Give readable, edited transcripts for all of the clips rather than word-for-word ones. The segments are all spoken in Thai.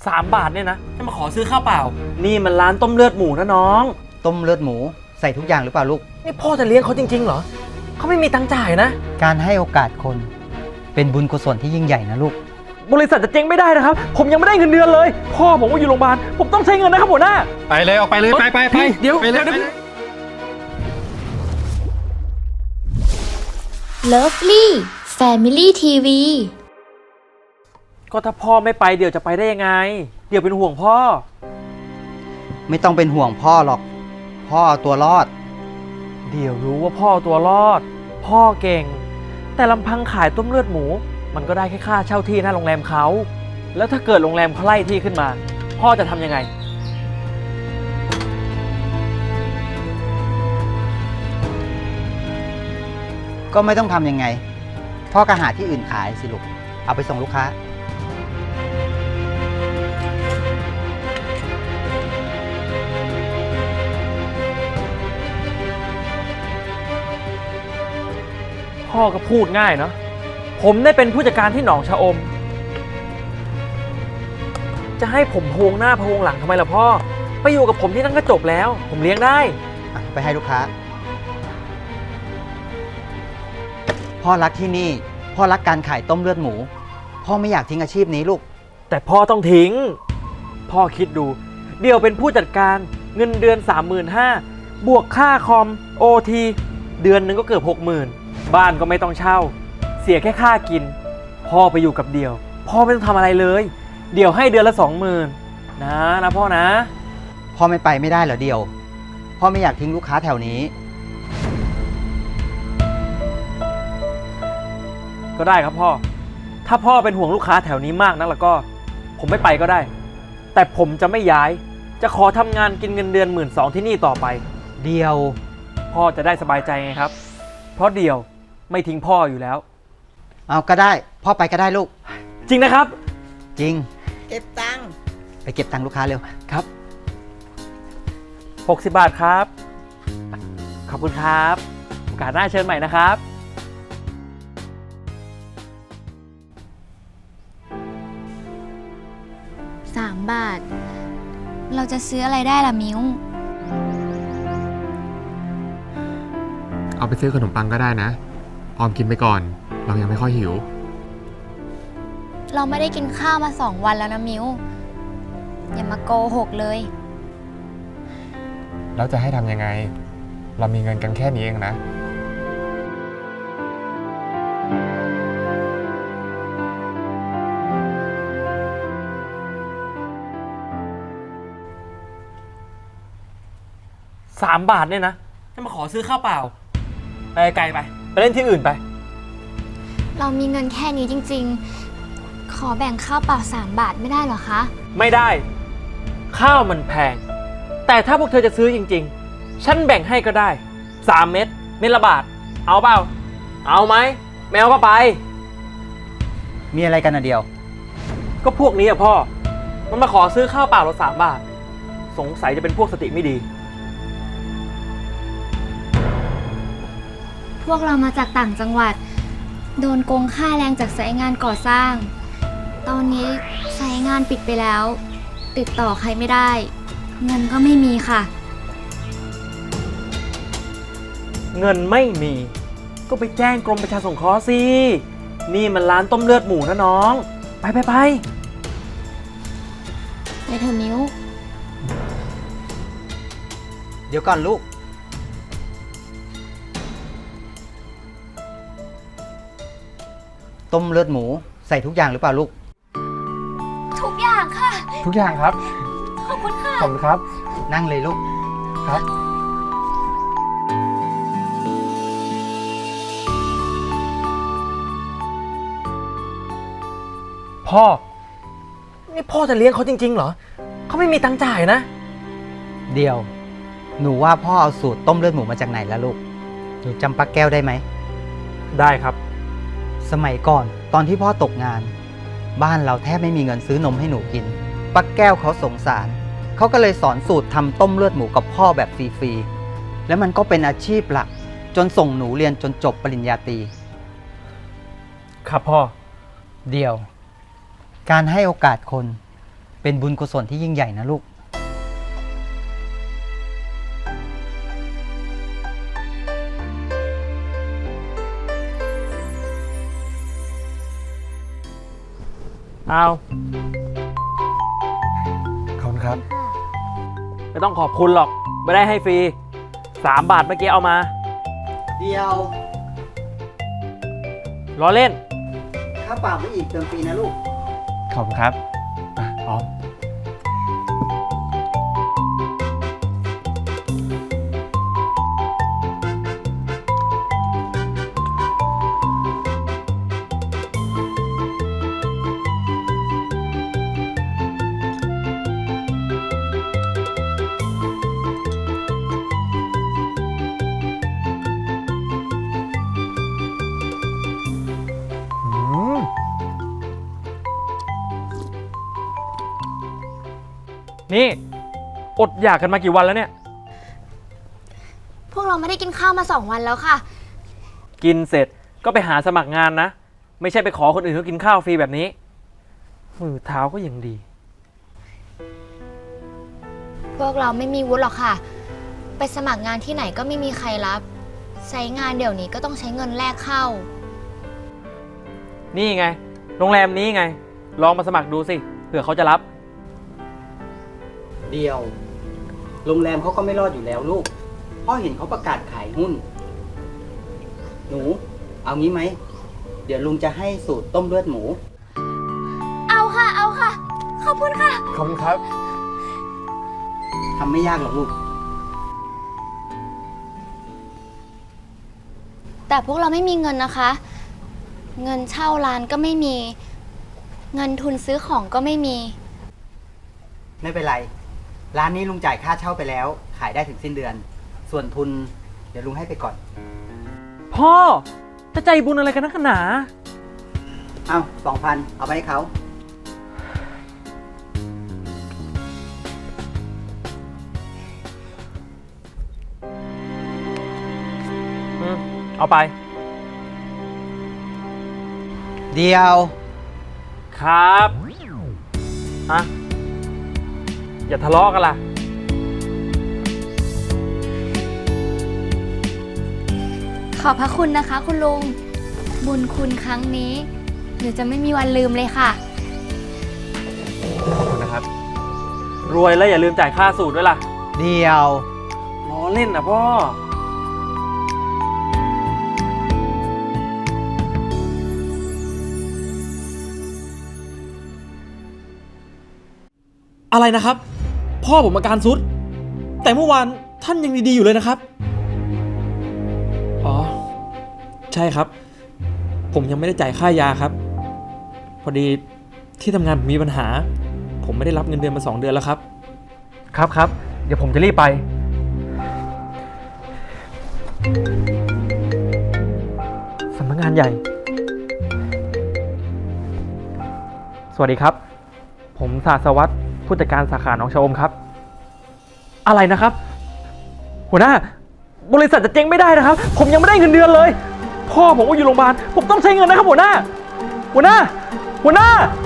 3 บาทเนี่ยนะจะมาขอซื้อข้าวเปล่านี่มันร้านต้มเลือดหมูนะน้องต้มเลือดหมูใส่ทุกอย่างหรือเปล่าลูกนี่พ่อจะเลี้ยงเขาจริงๆเหรอเขาไม่มีตังค์จ่ายนะการให้โอกาสคนเป็นบุญกุศลที่ยิ่งใหญ่นะลูกบริษัทจะเจ๊งไม่ได้นะครับผมยังไม่ได้เงินเดือนเลยพ่อผมก็อยู่โรงพยาบาลผมต้องใช้เงินนะครับหัวหน้าไปเลยออกไปเลยไปเดี๋ยว Lovely Family TV ก็ถ้าพ่อไม่ไปเดี๋ยวจะไปได้ยังไงเดี๋ยวเป็นห่วงพ่อไม่ต้องเป็นห่วงพ่อหรอกพ่อเอาตัวรอดเดี๋ยวรู้ว่าพ่อตัวรอดพ่อเก่งแต่ลำพังขายต้มเลือดหมูมันก็ได้แค่ค่าเช่าที่หน้าโรงแรมเขาแล้วถ้าเกิดโรงแรมเขาไล่ที่ขึ้นมาพ่อจะทำยังไงก็ไม่ต้องทำยังไงพ่อก็หาที่อื่นขายสิลูกเอาไปส่งลูกค้าพ่อก็พูดง่ายเนาะผมได้เป็นผู้จัดการที่หนองชะอมจะให้ผมพวงหน้าพวงหลังทำไมล่ะพ่อไปอยู่กับผมที่นั่นก็จบแล้วผมเลี้ยงได้ไปให้ลูกค้าพ่อรักที่นี่พ่อรักการขายต้มเลือดหมูพ่อไม่อยากทิ้งอาชีพนี้ลูกแต่พ่อต้องทิ้งพ่อคิดดูเดี๋ยวเป็นผู้จัดการเงินเดือน 35,000 บวกค่าคอม OT เดือนหนึ่งก็เกือบ 60,000 บ้านก็ไม่ต้องเช่าเสียแค่ค่ากินพ่อไปอยู่กับเดี่ยวพ่อไม่ต้องทำอะไรเลยเดี่ยวให้เดือนละ 20,000 นะพ่อนะพ่อไม่ไปไม่ได้เหรอเดี่ยวพ่อไม่อยากทิ้งลูกค้าแถวนี้ก็ได้ครับพ่อถ้าพ่อเป็นห่วงลูกค้าแถวนี้มากนักแล้วก็ผมไม่ไปก็ได้แต่ผมจะไม่ย้ายจะขอทำงานกินเงินเดือน12,000ที่นี่ต่อไปเดี่ยวพ่อจะได้สบายใจไงครับเพราะเดี่ยวไม่ทิ้งพ่ออยู่แล้วเอาก็ได้พ่อไปก็ได้ลูกจริงนะครับจริงเก็บตังค์ไปเก็บตังค์ลูกค้าเร็วครับ60 บาทครับขอบคุณครับโอกาสหน้าเชิญใหม่นะครับ 3 บาทเราจะซื้ออะไรได้ล่ะมิ้วเอาไปซื้อขนมปังก็ได้นะออมกินไปก่อนเรายังไม่ค่อยหิวเราไม่ได้กินข้าวมา2 วันแล้วนะมิ้วอย่ามาโกหกเลยแล้วจะให้ทำยังไงเรามีเงินกันแค่นี้เองนะ 3 บาทเนี่ยนะจะมาขอซื้อข้าวเปล่าไปไกลไปเล่นที่อื่นไปเรามีเงินแค่นี้จริงๆขอแบ่งข้าวเปล่า3 บาทไม่ได้เหรอคะไม่ได้ข้าวมันแพงแต่ถ้าพวกเธอจะซื้อจริงๆฉันแบ่งให้ก็ได้3 เม็ดละบาทเอาเปล่าเอาไหมแมวก็ไปมีอะไรกันนะเดียวก็พวกนี้อะพ่อมันมาขอซื้อข้าวเปล่าเรา3 บาทสงสัยจะเป็นพวกสติไม่ดีพวกเรามาจากต่างจังหวัดโดนโกงค่าแรงจากสายงานก่อสร้างตอนนี้สายงานปิดไปแล้วติดต่อใครไม่ได้เงินก็ไม่มีค่ะเงินไม่มีก็ไปแจ้งกรมประชาสงเคราะห์สินี่มันร้านต้มเลือดหมูนะน้องไปไปเถอะมิ้วเดี๋ยวก่อนลูกต้มเลือดหมูใส่ทุกอย่างหรือเปล่าลูกทุกอย่างค่ะทุกอย่างครับขอบคุณค่ะขอบคุณครับนั่งเลยลูกครับพ่อนี่พ่อจะเลี้ยงเขาจริงๆเหรอเขาไม่มีตังค์จ่ายนะเดี๋ยวหนูว่าพ่อเอาสูตรต้มเลือดหมูมาจากไหนแล้วลูกหนูจำป้าแก้วได้ไหมได้ครับสมัยก่อนตอนที่พ่อตกงานบ้านเราแทบไม่มีเงินซื้อนมให้หนูกินป้าแก้วเขาสงสารเขาก็เลยสอนสูตรทำต้มเลือดหมูกับพ่อแบบฟรีๆแล้วมันก็เป็นอาชีพหลักจนส่งหนูเรียนจนจบปริญญาตรีครับพ่อเดียวการให้โอกาสคนเป็นบุญกุศลที่ยิ่งใหญ่นะลูกเอาขอบคุณครับไม่ต้องขอบคุณหรอก ไม่ได้ให้ฟรี 3 บาทเมื่อกี้เอามาเดียวล้อเล่นถ้าเปล่าไม่อีกเติมฟรีนะลูกขอบคุณครับออมนี่ อดอยากกันมากี่วันแล้วเนี่ยพวกเราไม่ได้กินข้าวมา2 วันแล้วค่ะกินเสร็จก็ไปหาสมัครงานนะ ไม่ใช่ไปขอคนอื่นเขากินข้าวฟรีแบบนี้ มือเท้าก็ยังดีพวกเราไม่มีวุฒิหรอกค่ะ ไปสมัครงานที่ไหนก็ไม่มีใครรับ ใช้งานเดี๋ยวนี้ก็ต้องใช้เงินแลกเข้านี่ไง โรงแรมนี้ไง ลองมาสมัครดูสิ เผื่อเขาจะรับเดียว โรงแรมเขาก็ไม่รอดอยู่แล้วลูก พ่อเห็นเขาประกาศขายหุ้น หนู เอางี้ไหม เดี๋ยวลุงจะให้สูตรต้มเลือดหมูเอาค่ะ เอาค่ะ ขอบคุณค่ะขอบคุณครับทำไม่ยากหรอกลูกแต่พวกเราไม่มีเงินนะคะ เงินเช่าร้านก็ไม่มี เงินทุนซื้อของก็ไม่มีไม่เป็นไร ร้านนี้ลุงจ่ายค่าเช่าไปแล้ว ขายได้ถึงสิ้นเดือน ส่วนทุน เดี๋ยวลุงให้ไปก่อนพ่อ จะใจบุญอะไรกันนักหนาเอา2,000 เอาไปให้เขาเอาไปเดียวครับฮะอย่าทะเลาะกันล่ะขอบพระคุณนะคะ คุณลุง บุญคุณครั้งนี้หนูจะไม่มีวันลืมเลยค่ะขอบคุณนะครับรวยแล้วอย่าลืมจ่ายค่าสูตรด้วยล่ะเดียวล้อเล่นนะพ่ออะไรนะครับ พ่อผมอาการซุด แต่เมื่อวานท่านยังดีๆอยู่เลยนะครับ อ๋อ ใช่ครับ ผมยังไม่ได้จ่ายค่ายาครับ พอดีที่ทำงานผมมีปัญหา ผมไม่ได้รับเงินเดือนมา2 เดือนแล้วครับครับ เดี๋ยวผมจะรีบไป สำนักงานใหญ่ สวัสดีครับ ผมศาสวัตรผู้จัดการสาขาหนองชะอมครับ อะไรนะครับ หัวหน้า บริษัทจะเจ๊งไม่ได้นะครับ ผมยังไม่ได้เงินเดือนเลย พ่อผมก็อยู่โรงพยาบาล ผมต้องใช้เงินนะครับหัวหน้า หัวหน้า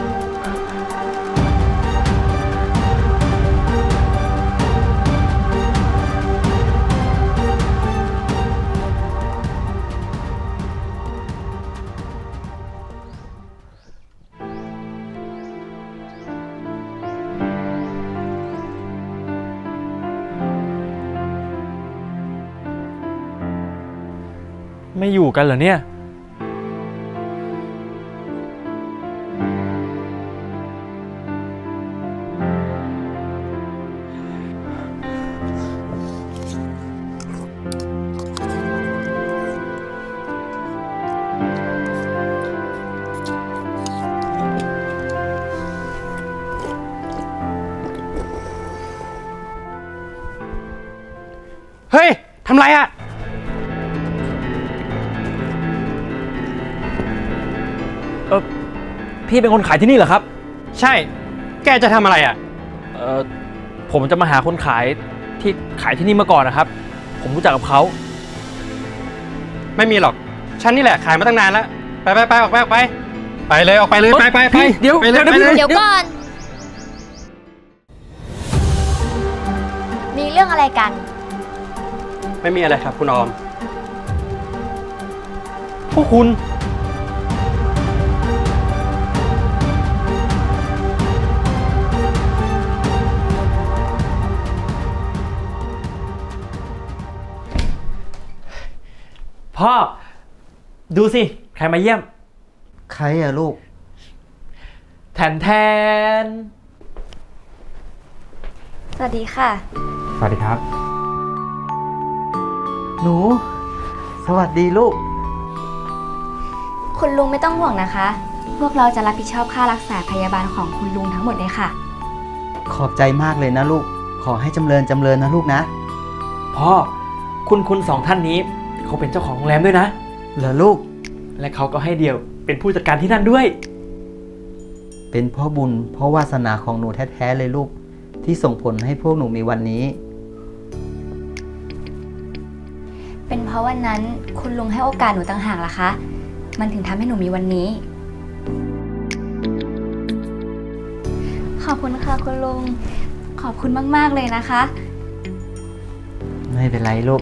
ไม่อยู่กันเหรอเนี่ยเฮ้ย ทำไรอะพี่เป็นคนขายที่นี่เหรอครับใช่ แกจะทำอะไรอะผมจะมาหาคนขายที่ขายที่นี่มาก่อนนะครับ ผมรู้จักกับเขาไม่มีหรอก ฉันนี่แหละขายมาตั้งนานแล้ว ไปออกไป ไปเลย ออกไปเลย ไปเดี๋ยวไปเลยเดี๋ยวไปเลยเดี๋ยวก่อนเรื่องอะไรกันไม่มีอะไรครับคุณออมพวกคุณ พ่อ ดูสิ ใครมาเยี่ยมใครอะลูกแทนแทนสวัสดีค่ะสวัสดีครับหนู สวัสดีลูกคุณลุงไม่ต้องห่วงนะคะ พวกเราจะรับผิดชอบค่ารักษาพยาบาลของคุณลุงทั้งหมดเลยค่ะขอบใจมากเลยนะลูก ขอให้จำเริญนะลูกนะพ่อ คุณสองท่านนี้ เขาเป็นเจ้าของโรงแรมด้วยนะเหรอลูกและเขาก็ให้เดี่ยวเป็นผู้จัดการที่นั่นด้วยเป็นเพ่อบุญเพ่อวาสนาของหนูแท้ๆเลยลูก ที่ส่งผลให้พวกหนูมีวันนี้เป็นเพราะวันนั้นคุณลุงให้โอกาสหนูต่างหากล่ะคะ มันถึงทำให้หนูมีวันนี้ ขอบคุณค่ะคุณลุง ขอบคุณมากๆเลยนะคะไม่เป็นไรลูก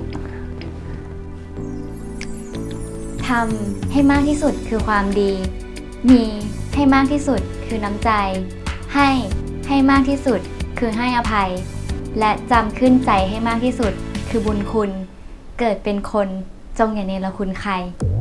ทำให้มากที่สุดคือความดี มีให้มากที่สุดคือน้ำใจ ให้มากที่สุดคือให้อภัย และจำขึ้นใจให้มากที่สุดคือบุญคุณ เกิดเป็นคนจงอย่าเนรคุณใคร